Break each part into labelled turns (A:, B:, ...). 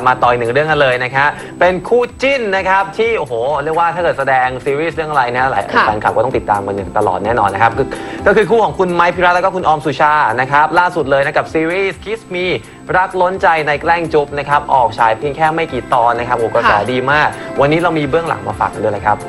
A: มาต่ออีกหนึ่งเรื่องกันเลยนะครับเป็นคู่จิ้นนะครับที่โอ้โหเรียกว่าถ้าเกิดแสดงซีรีส์เรื่องอะไรนะหลายแฟนคลับก็ต้องติดตามกันอย่างตลอดแน่นอนนะครับก็คือคู่ของคุณไมค์พิรัตน์แล้วก็คุณออมสุชานะครับล่าสุดเลยนะกับซีรีส์ Kiss Me รักล้นใจในแกล้งจุ๊บนะครับออกฉายเพียงแค่ไม่กี่ตอนนะครับโอ้กระแสดีมากวันนี้เรามีเบื้องหลังมาฝากกันด้วยเลยครับ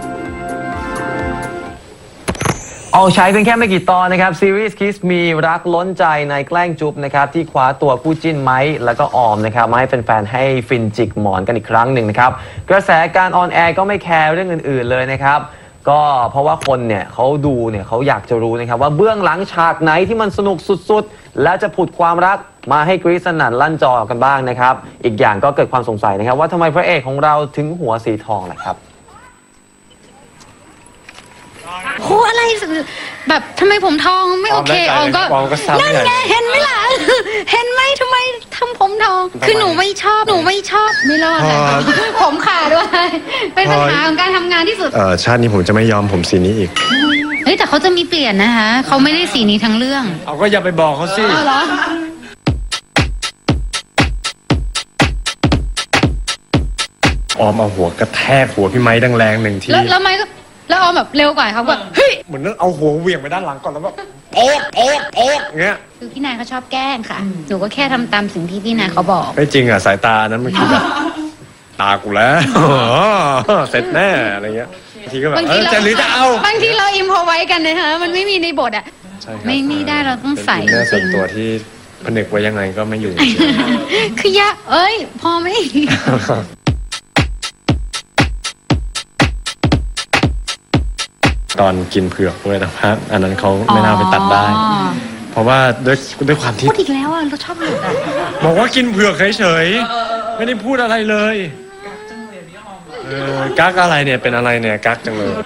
A: ออกฉายเพียงแค่ไม่กี่ตอนนะครับซีรีส์ Kiss Me รักล้นใจในแกล้งจุ๊บนะครับที่คว้าตัวคู่จิ้นไมค์แล้วก็ออมนะครับมาให้แฟนๆให้ฟินจิกหมอนกันอีกครั้งหนึ่งนะครับกระแสการออนแอร์ก็ไม่แคร์เรื่องอื่นๆเลยนะครับก็เพราะว่าคนเนี่ยเขาดูเนี่ยเขาอยากจะรู้นะครับว่าเบื้องหลังฉากไหนที่มันสนุกสุดๆแล้วจะผุดความรักมาให้กรี๊ดสนั่นลั่นจอกันบ้างนะครับอีกอย่างก็เกิดความสงสัยนะครับว่าทำไมพระเอกของเราถึงหัวสีทองล่ะครับ
B: โหอะไรแบบทำไมผมทองไม่โอเคออมก็นั่นไงเห็นไหมล่ะเห็นไหมทำไมทำผมทองคือหนูไม่ชอบไม่รอดเลยผมขาดด้วยเป็นปัญหาของการทำงานที่สุด
C: ชาตินี้ผมจะไม่ยอมผมสีนี้อีก
B: เฮ้ยแต่เขาจะมีเปลี่ยนนะคะเขาไม่ได้สีนี้ทั้งเรื่อง
C: เอาก็อย่าไปบอกเขาสิ
B: เหรอ
C: ออมเอาหัวกระแทกหัวพี่ไม้แรงๆหนึ่งที
B: แล้วไม้ก็แล้วออมแบบเร็วกว่าเขาแบบเฮ้ย
C: เหมือนเอาหัวเหวี่ยงไปด้านหลังก่อนแล้วแบบโอ๊กเงี้ย
B: คือพี่นายเขาชอบแกล้งค่ะหนูก็แค่ทำตามสิ่งที่พี่นายเขาบอก
C: ไม่จริงอ่ะสายตานั้นมันคือแบบตากูแล้วเสร็จแน่อะไรเงี้ยบางทีก็แบบจะหรือจะเอา
B: บางทีเราอิมพอไว้กันนะคะมันไม่มีในบทอ่ะไม่ได้เราต้องใส่
C: จริงส่วนตัวที่ผนึกไว้ยังไงก็ไม่อยู่
B: คือยะพอไหม
C: ตอนกินเผือกด้วยนะครับอันนั้นเขาไม่น่าไปตัดได้เพราะว่าด้วยความที่
B: พูดอีกแล้วอ่ะเราชอบหลุดอ่ะ
C: บอกว่ากินเผือกเฉยๆไม่ได้พูดอะไรเลยกักอะไรเนี่ยเป็นอะไรเนี่ยกักจังเลย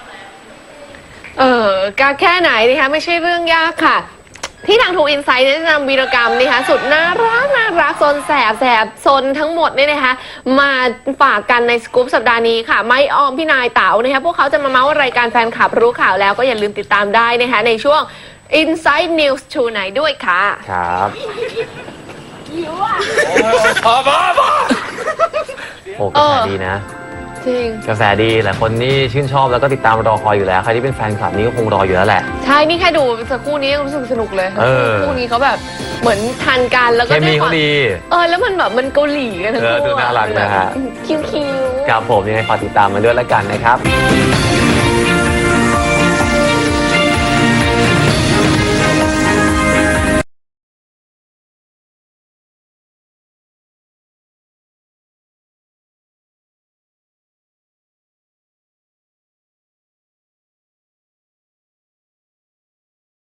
D: กักแค่ไหนนะคะไม่ใช่เรื่องยากค่ะที่ทางทูอินไซต์ได้นำวีรกรรมนะคะสุดน่ารักซนแสบซนทั้งหมดเนี่ยนะคะมาฝากกันในสกู๊ปสัปดาห์นี้ค่ะไมค์ออมพี่นายเต๋านะคะพวกเขาจะมาเมาส์รายการแฟนคลับรู้ข่าวแล้วก็อย่าลืมติดตามได้นะคะในช่วง Inside News Tonight ด้วยค่ะ
A: ครับโอ้กระแสดีนะ
D: จริง
A: กระแสดีหลายคนนี่ชื่นชอบแล้วก็ติดตามรอคอยอยู่แล้วใครที่เป็นแฟนคลับนี่ก็คงรออยู่แล้วแหละ
D: ใช่นี่แค่ดูสักคู่นี้รู้สึกสนุกเลยคู่นี้เขาแบบเหมือนทันกันแล้วก็
A: เคมีเขาดี
D: แล้วมันแบบมันเกาหลีกันทั้งคู่
A: ดูน่ารักนะฮะ
D: คิ้ว
A: ครับผมยังไงฝากติดตามมาด้วยแล้วกันนะครับ